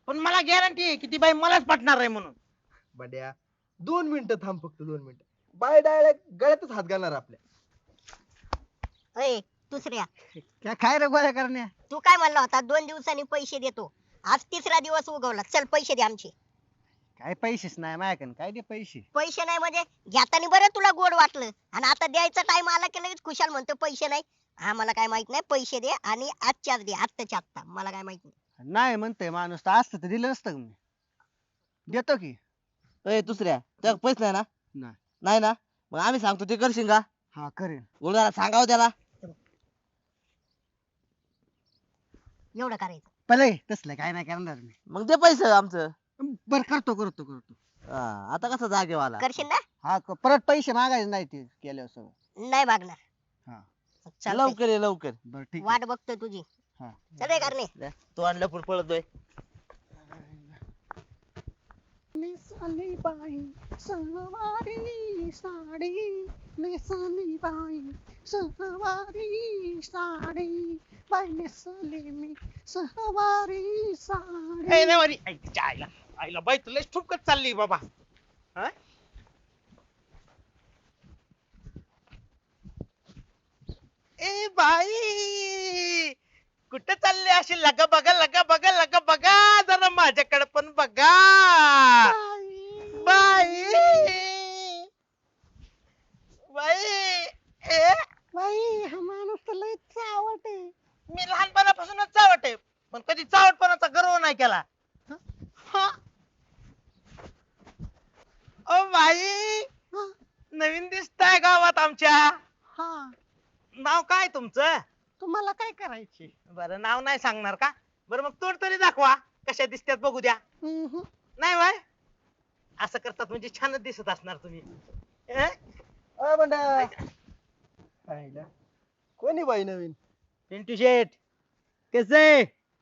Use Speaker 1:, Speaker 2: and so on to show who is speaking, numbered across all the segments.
Speaker 1: पण मला गॅरंटी आहे की ती बाई मलाच पटणार आहे म्हणून.
Speaker 2: बंड्या 2 मिनिटं थांब, फक्त 2 मिनिटं. बाय डायरेक्ट गळ्यातच हात घालणार आपल्या.
Speaker 3: अय दुसऱ्या,
Speaker 4: क्या काय रे गोळ्या करण्या?
Speaker 3: तू काय म्हणला होता 2 दिवसांनी पैसे देतो. आज तिसरा दिवस उगवला, चल पैसे दे आमचे.
Speaker 4: काय पैसेच नाही माझ्याकडे, काय दे पैसे?
Speaker 3: पैसे नाही म्हणजे घेताना बरं तुला गोड वाटलं, आणि आता द्यायचा टाइम आला की लगेच खुशाल म्हणतो पैसे नाही. आम्हाला काय माहित नाही, पैसे दे आणि आजच्याच दे, आत्ताच्या आत्ता. मला काय माहित नाही.
Speaker 4: नाही म्हणतोय माणूस, तर असतं तर दिलं नसतं का मी. देतो की.
Speaker 5: ए दुसऱ्या त्या पैसे नाही ना?
Speaker 4: नाही.
Speaker 5: नाही ना? मग आम्ही सांगतो ते करशील का?
Speaker 4: हा करेन.
Speaker 5: गुरुदारा सांगावं त्याला.
Speaker 3: एवढं करायचं.
Speaker 4: पहिले तसलं काय नाही करणार मी.
Speaker 5: मग दे पैसे आमचं.
Speaker 4: बर करतो करतो करतो.
Speaker 5: हा, आता कसा जागेवाला?
Speaker 3: करशील ना?
Speaker 4: हा परत पैसे मागायचे नाही ते केल्यावर सगळं.
Speaker 3: नाही मागणार.
Speaker 4: हा.
Speaker 3: चालतंय.
Speaker 5: लवकर ये लवकर.
Speaker 4: बर ठीक आहे.
Speaker 3: वाट बघतोय तुझी.
Speaker 4: हा.
Speaker 3: चल रे करणे.
Speaker 5: द्या. तो आणलं पुढे पळतोय.
Speaker 4: नेसाली बाई सहावारी साडी, नेसाली बाई सहावारी साडी, बाई नेसली मी सहावारी साडी.
Speaker 1: ए नाही वारी. तिच्या आईला आईला बाई तुला ठुपकत चालली बाबा. हा? ए बाई कुठं चालली अशी लगा बघा लगा बघा लगा बघा, जरा माझ्याकडे पण बघा. बाई बाई ए
Speaker 4: बाई हा माणूस तर लय चावट आहे.
Speaker 1: मी लहानपणापासूनच चावट आहे, पण कधी चावटपणाचा गर्व नाही केला. हा. ओ बाई
Speaker 4: हा.
Speaker 1: नवीन दिसताय गावात आमच्या.
Speaker 4: हा
Speaker 1: नाव काय तुमचं?
Speaker 4: तुम्हाला काय करायचे?
Speaker 1: बरं नाव नाही सांगणार का? बरं मग तोड तरी दाखवा, कशा दिसतात बघू द्या. नाही बाय असं करतात म्हणजे छानच दिसत असणार तुम्ही. अं?
Speaker 2: अय बंड्या. आईला. कोणी बाई नवीन?
Speaker 1: पिंटू शेठ कसे?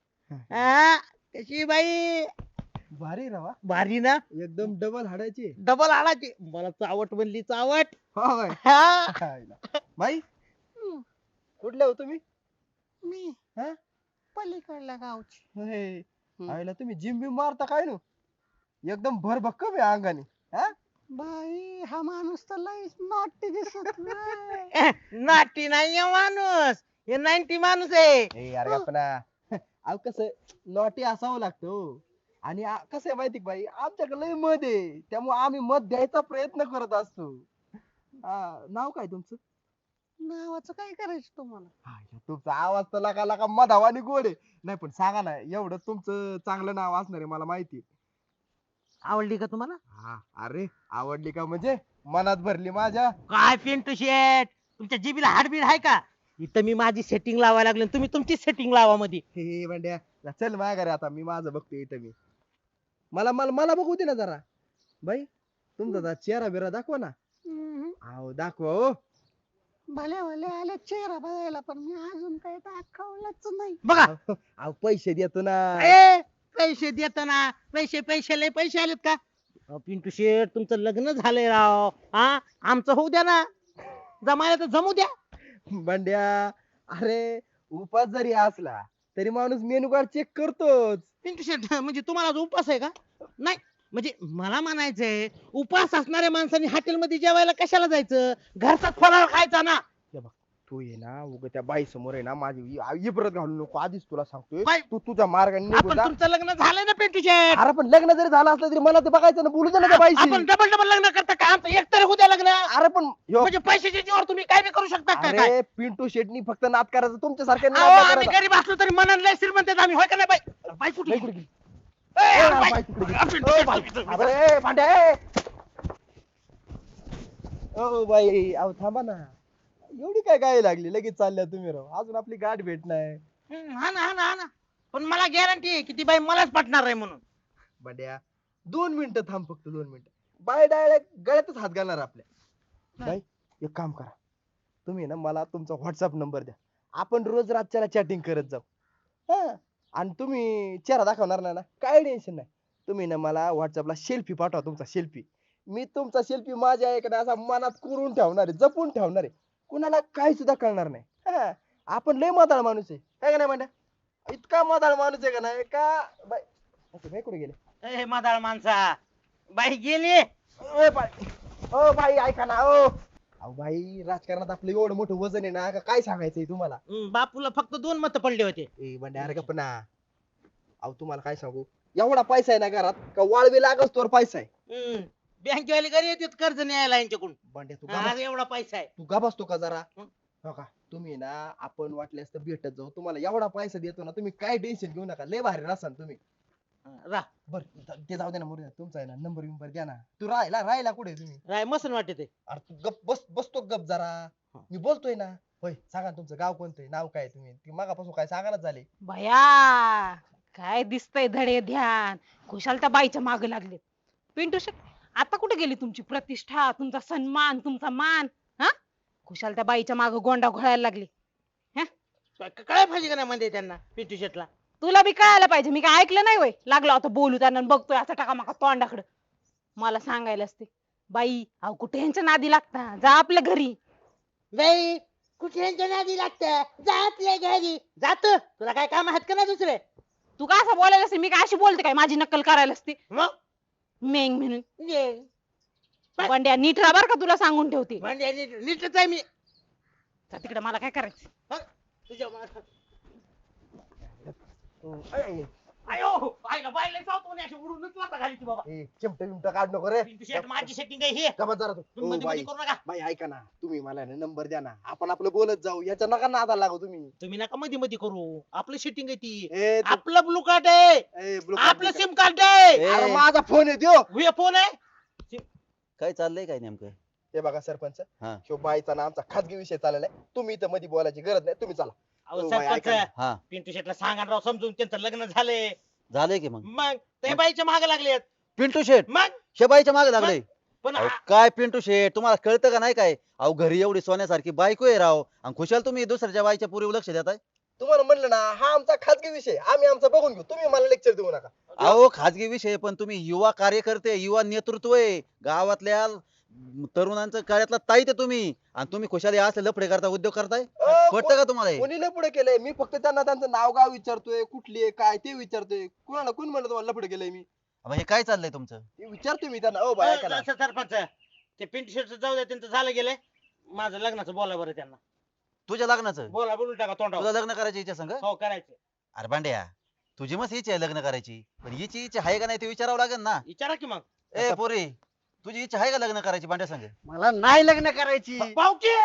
Speaker 1: कशी बाई?
Speaker 2: भारी रवा.
Speaker 1: भारी ना?
Speaker 2: एकदम डबल हाडायची.
Speaker 1: डबल आलाची मला चावट बनली चावट.
Speaker 2: हो बाई.
Speaker 1: हा.
Speaker 2: आईला. बाई कुठले हो तुम्ही?
Speaker 4: मी
Speaker 2: हा?
Speaker 4: पलीकडल्या गावची.
Speaker 2: होय. आईला तुम्ही जिम बिम मारता काय नो? एकदम भरभक्कम आहे अंगाने. हा?
Speaker 4: बाई हा माणूस तर लय नॉटी दिसत नाही.
Speaker 1: नाटी नाही आहे माणूस, हे 90 माणूस आहे.
Speaker 2: ए यार गप्पना. अहो कसं नॉटी असावं लागतं हो. आणि कसं आहे माहिती का बाई, आमच्याकडे लय मध आहे, त्यामुळे आम्ही मध द्यायचा प्रयत्न करत असतो. नाव काय तुमचं?
Speaker 4: नावाचं काय करायचं तुम्हाला?
Speaker 2: तुमचा आवाज तर लका लका मधावानी गोड आहे. नाही पण सांगा ना, एवढं तुमचं चांगलं नाव असणार आहे मला माहिती.
Speaker 1: आवडली का तुम्हाला?
Speaker 2: हा अरे आवडली का म्हणजे मनात भरली माझ्या.
Speaker 1: काय पिंटू शेठ तुमच्या जीबीला हाडबीड आहे का? इथं मी माझी सेटिंग लावायला लागलो, तुम्ही तुमची सेटिंग लावा मध्ये.
Speaker 2: हे बंड्या चल माझ्या घरी, आता मी माझं बघतो इथं मी. मला मला मला बघू दे ना जरा. बाई तुमचा जरा चेहरा बिरा दाखवा ना. अहो दाखवा हो.
Speaker 4: भले भले आले चेहरा बघायला, पण मी अजून काही दाखवलंच नाही.
Speaker 1: बघा
Speaker 2: अहो पैसे देतो ना.
Speaker 1: ए पैसे देताना पैसे पैसे लय पैसे आलेत का? पिंटू शेठ तुमचं लग्न झालंय राव. हा आमचं होऊ द्या ना, जमायला तर जमू द्या.
Speaker 2: बंड्या अरे उपास जरी असला तरी माणूस मेनू कार्ड चेक करतोच.
Speaker 1: पिंटू शेठ म्हणजे तुम्हाला जो उपास आहे का? नाही म्हणजे मला म्हणायचंय, उपास असणाऱ्या माणसांनी हॉटेलमध्ये जेवायला कशाला जायचं? घरचाच फराळ खायचा ना.
Speaker 2: तू ये ना उगा त्या बाई समोर आहे ना माझी इब्रत घालू नको, आधीच तुला सांगतोय.
Speaker 1: बाई,
Speaker 2: तू तुझ्या मार्गाने निघून
Speaker 1: आपण
Speaker 2: जा.
Speaker 1: तुमचं लग्न झालंय ना पिंटू शेठ.
Speaker 2: अरे पण लग्न जरी झालं असलं तरी मला ते बघायचं ना, बोलू दे ना त्या बाईशी.
Speaker 1: आपण डबल डबल लग्न करता का? आमचं एक तरी होऊ द्या लग्न.
Speaker 2: अरे पण ह्यो-
Speaker 1: म्हणजे पैशाच्या जीवावर तुम्ही काय बी करू शकता का काय?
Speaker 2: अरे पिंटू शेटनी फक्त नाद करायचं, तुमच्यासारख्या
Speaker 1: अहो, आम्ही गरीब असलो तरी मनाला लय श्रीमंत आहेत आम्ही, होय का नाही बाई? बाई कुठे गेली? ए, अरे बाई, पिंटू शेठ,
Speaker 2: अरे भांड्या ए. ओ बाई अहो थांबा ना, एवढी काय गाय लागली लगेच चालल्या तुम्ही राव, अजून आपली गाठ भेट नाही.
Speaker 1: हा ना हा ना हा ना, पण मला गॅरंटी आहे की ती बाई मलाच पटणार आहे म्हणून.
Speaker 2: बंड्या 2 मिनिटं थांब, फक्त 2 मिनिटं. बाय डायरेक्ट गळ्यातच हात घालणार आपल्या. बाई एक काम करा, तुम्ही ना मला तुमचा व्हॉट्सअप नंबर द्या, आपण रोज रातच्याला चॅटिंग करत जाऊ. हा आणि तुम्ही चेहरा दाखवणार नाही ना, काय टेन्शन नाही. तुम्ही ना मला व्हॉट्सअपला सेल्फी पाठवा, तुमचा सेल्फी. मी तुमचा सेल्फी माझ्या एखाद्या असा मनात कोरून ठेवणार आहे, जपून ठेवणार आहे, कुणाला काही सुद्धा कळणार नाही. हा आपण लय मदाळ माणूस आहे काय का नाही म्हणा, इतका मदाळ माणूस आहे का नाही का बाई. ओके बाई कुठे गेले?
Speaker 1: ए मदाळ माणसा बाई गेली.
Speaker 2: ओ बाई ऐका ना ओ. अहो बाई राजकारणात आपलं एवढं मोठं वजन आहे ना का काय सांगायचंय तुम्हाला?
Speaker 1: बापूला फक्त 2 मत पडले होते.
Speaker 2: ए बंड्या अरे गप्प ना. अहो तुम्हाला काय सांगू एवढा पैसा आहे ना घरात का वाळवी लागच तोवर पैसा आहे.
Speaker 1: बँकेवाले घरी येतात कर्ज न्यायला यांच्याकडून.
Speaker 2: बंड्या तू
Speaker 1: अरे एवढा पैसा आहे.
Speaker 2: तू गप असतो का जरा?
Speaker 1: हं?
Speaker 2: हो का तुम्ही ना आपण वाटल्यास तर भेटत जाऊ तुम्हाला एवढा पैसा देतो ना तुम्ही काय टेन्शन घेऊ नका लय भारी राहसान तुम्ही.
Speaker 1: रा
Speaker 2: बर ते जाऊ दे ना मुरुद्या तुमचा आहे ना नंबर बिंबर द्या ना. तू राहिला कुठे तुम्ही?
Speaker 1: राय मसन वाटते ते.
Speaker 2: अरे तू गप बसतो गप जरा. मी बोलतोय ना. होय सांगा ना तुमचं गाव कोणतं नाव काय तुम्ही ती मागापासून काय सांगायला झाले.
Speaker 6: भया काय दिसतंय धडे ध्यान खुशाल त्या बाईच्या मागे लागले. पिंटू शेट आता कुठे गेली तुमची प्रतिष्ठा तुमचा सन्मान तुमचा मान हा खुशाल त्या बाईच्या मागे गोंडा घोळायला लागली.
Speaker 1: काय पाहिजे का नाही म्हणते त्यांना पिंटू शेटला.
Speaker 6: तुला बी कळायला पाहिजे मी काय ऐकलं नाही वय लागलो आता बोलू त्यांना आणि बघतोय असं टाकामाका तोंडाकडं. मला सांगायला असते बाई अहो कुठे यांच्या नादी लागता जा आपल्या घरी.
Speaker 1: बाई कुठे यांच्या नादी लागतं जा आपल्या घरी जात. तुला काय काम आहेत का ना दुसरे.
Speaker 6: तू का असं बोलायला असते मी काय अशी बोलते काय माझी नक्कल करायला असते
Speaker 1: मग
Speaker 6: मेंग म्हणून.
Speaker 1: ये.
Speaker 6: बंड्या नीट राहा बरं का तुला सांगून ठेवते.
Speaker 1: म्हणजे नीटच आहे मी.
Speaker 6: तिकडे मला काय करायचं.
Speaker 1: हं? तुझ्या मागं.
Speaker 2: ए,
Speaker 1: आयो आईला बाईला चावतो आणि अशी उडूनच लाथा घाली ती बाबा.
Speaker 2: चिमटे बिमटे काढ नको रे.
Speaker 1: पिंटू शेट माझी सेटिंग आहे ही.
Speaker 2: गप्प जरा तू.
Speaker 1: तुम्ही
Speaker 2: ओ
Speaker 1: मध्ये
Speaker 2: बाई
Speaker 1: मध्ये करू नका.
Speaker 2: बाई ऐका ना तुम्ही मला नंबर द्या ना आपण आपलं बोलत जाऊ याच्या नका नादा लागू तुम्ही.
Speaker 1: तुम्ही नका मध्ये मध्ये करू. आपलं सेटिंग आहे ती.
Speaker 2: ए, तू-
Speaker 1: आपलं ब्लू कार्ड आहे.
Speaker 2: ए, blue card
Speaker 1: आपलं
Speaker 2: बिल
Speaker 1: सिम कार्ड आहे.
Speaker 5: ए,
Speaker 2: अरे माझा फोन आहे त्यो.
Speaker 1: हे फोन आहे.
Speaker 5: काय चाललंय काय नेमकं?
Speaker 2: हे बघा सरपंच
Speaker 5: हा.
Speaker 2: ह्यो बाईचा ना आमचा खाजगी विषय चाललेला आहे तुम्ही इथं मध्ये बोलायची गरज नाही तुम्ही चला.
Speaker 1: अहो,
Speaker 2: ओ बाई, ऐका
Speaker 1: सरपंच
Speaker 5: हा
Speaker 1: पिंटू शेटला सांगा ना राव समजून त्यांचं लग्न झालंय.
Speaker 5: झालंय की मग
Speaker 1: मग ते बाईच्या मागे लागले.
Speaker 5: पिंटू शेट
Speaker 1: मग
Speaker 5: शेबाईच्या मागे लागले.
Speaker 1: पण
Speaker 5: अहो, काय पिंटू शेट तुम्हाला कळतं का नाही काय? अहो घरी एवढी सोन्यासारखी बायको आहे राव आणि खुशाल तुम्ही दुसऱ्याच्या बाईच्या पुरीवर लक्ष देताय.
Speaker 2: तुम्हाला म्हणलं ना हा आमचा खाजगी विषय आम्ही आमचा बघून घेऊ तुम्ही मला लेक्चर देऊ नका.
Speaker 5: अहो खाजगी विषय पण तुम्ही युवा कार्यकर्ते युवा नेतृत्व आहे गावातल्या तरुणांचं कार्यातला ताईत आहे तुम्ही आणि तुम्ही खुशाली असले लफडे करता उद्योग करताय. पटतं का तुम्हाला हे?
Speaker 2: कोणी लय पुढे केलंय मी फक्त त्यांना त्यांचं नाव गाव विचारतोय कुठली आहे काय ते विचारतोय कुणाला कोण म्हणलं तुम्हाला लपडे केलंय मी
Speaker 5: अबे, हे काय चाललंय तुमचं?
Speaker 2: ते विचारतोय मी त्यांना. ओ बाई ऐका ना.
Speaker 1: असं सरपंच ते पिंटू शेटचं जाऊ द्या त्यांचं झालं गेलंय. माझं लग्नाचं बोला बरं त्यांना.
Speaker 5: तुझ्या लग्नाचं
Speaker 1: बोला बोलून टाका तोंडावर.
Speaker 5: तुझं लग्न करायची इच्छा संग?
Speaker 1: हो करायचं.
Speaker 5: अरे भांड्या तुझी मस्त इच्छा आहे लग्न करायची पण हिची इच्छा आहे का नाही ते विचारावं लागेल ना.
Speaker 1: विचारा की मग.
Speaker 5: ए पोरी तुझी इच्छा आहे का लग्न करायची भांड्या संग?
Speaker 4: मला नाही लग्न करायची.
Speaker 1: भाऊकी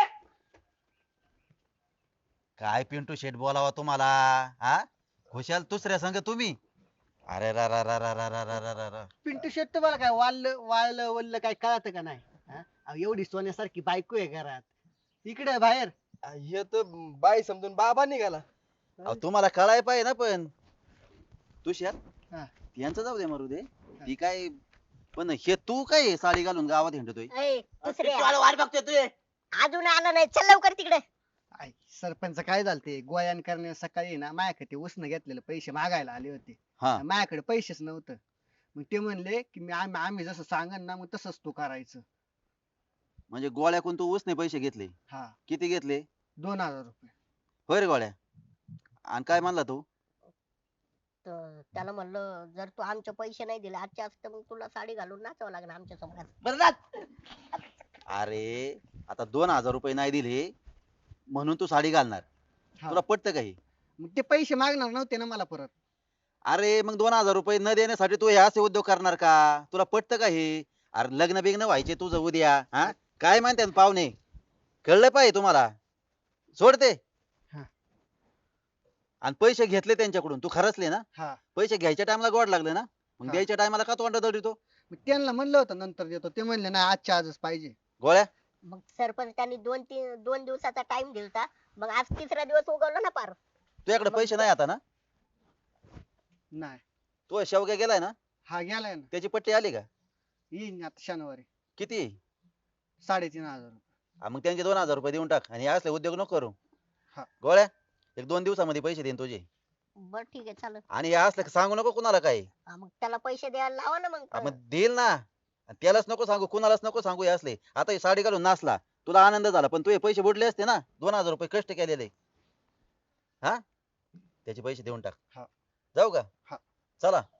Speaker 5: काय पिंटू शेट बोलावा तुम्हाला हा खुशाल दुसऱ्या संग तुम्ही. अरे रा रा रा रा रा रा रा रा रा रा.
Speaker 4: पिंटू शेट तुम्हाला काय वाळलं वल्ल काय कळत का नाही हा? अहो, एवढी सोन्यासारखी बायको आहे घरात इकडे बाहेर.
Speaker 2: हे तर बाई समजून बाबा निघाला.
Speaker 5: अहो, तुम्हाला कळाय पाहिजे ना पण तुषार
Speaker 4: हा.
Speaker 5: यांचं जाऊ दे मारू दे ती काय पण हे तू काय साडी घालून गावात हिंडतोय.
Speaker 3: ए, दुसरे
Speaker 1: वाट बघतोय तू.
Speaker 3: अजून आला नाही चल लवकर तिकडे.
Speaker 4: आय, सरपंच काय झालते गोयान करण्या सकाळी ना माझ्याकडे उसनं घेतलेले पैसे मागायला आले होते.
Speaker 5: हा
Speaker 4: माझ्याकडे पैसेच नव्हतं. मग ते म्हणले की आम्ही जसं सांगन ना मग तसंच तू करायचं.
Speaker 5: म्हणजे गोळ्याकून तू उसने पैसे घेतले.
Speaker 4: हा
Speaker 5: किती घेतले?
Speaker 4: 2000 रुपये.
Speaker 5: होय रे गोळ्या आणि काय म्हणला तू?
Speaker 3: तर त्याला म्हणलं जर तू आमचे पैसे नाही दिले आजच्या आज तर मग तुला साडी घालून नाचावं लागणार आमच्या समोर.
Speaker 1: बरं जा.
Speaker 5: अरे आता 2000 रुपये नाही दिले म्हणून तू साडी घालणार?
Speaker 4: हा.
Speaker 5: तुला पटतं का हे?
Speaker 4: मग ते पैसे मागणार नव्हते ना मला परत.
Speaker 5: अरे मग 2000 रुपये न देण्यासाठी तू हे असे उद्योग करणार का? तुला पटतं का हे? अरे लग्न बिग्न व्हायचे तुझं उद्या हा काय म्हणतात पाहुणे कळलं पाहिजे तुम्हाला. सोडते
Speaker 4: हा.
Speaker 5: आणि पैसे घेतले त्यांच्याकडून तू खरचले ना?
Speaker 4: हा
Speaker 5: पैसे घ्यायच्या टायमाला गोड लागले ना मग
Speaker 4: हा.
Speaker 5: द्यायच्या टायमाला का तोंड दडतो?
Speaker 4: मग त्यांना म्हणलं होतं नंतर देतो ते म्हणले नाही आजच्या आजच पाहिजे.
Speaker 5: गोळ्या
Speaker 3: मग सरपंच त्यांनी 2 दिवसाचा टाइम दिलता मग आज तिसरा दिवस उगवला ना पार.
Speaker 5: तुझ्याकडे पैसे नाही आता ना?
Speaker 4: नाही
Speaker 5: तू शेवग्या गेलाय ना
Speaker 4: हा गेलाय ना
Speaker 5: त्याची पट्टी आली का?
Speaker 4: येईन आता शनिवारी.
Speaker 5: किती?
Speaker 4: 3500 रुपये.
Speaker 5: हा, मग त्यांचे 2000 रुपये देऊन टाक आणि हे असले उद्योग नको करू.
Speaker 4: हा.
Speaker 5: गोळ्या 1-2 दिवसामध्ये पैसे देईन तुझे
Speaker 3: बर ठीक आहे चालेल.
Speaker 5: आणि हे असलं की सांगू नको कुणाला काही.
Speaker 3: मग त्याला पैसे द्यायला लावा ना मग.
Speaker 5: मग देईल ना आणि त्यालाच नको सांगू कुणालाच नको सांगू हे असले. आता ही साडी घालून नाचला तुला आनंद झाला पण तू हे पैसे बुडले असते ना 2000 रुपये कष्ट केलेले. हा त्याचे पैसे देऊन टाक.
Speaker 4: हा.
Speaker 5: जाऊ का?
Speaker 4: हा.
Speaker 5: चला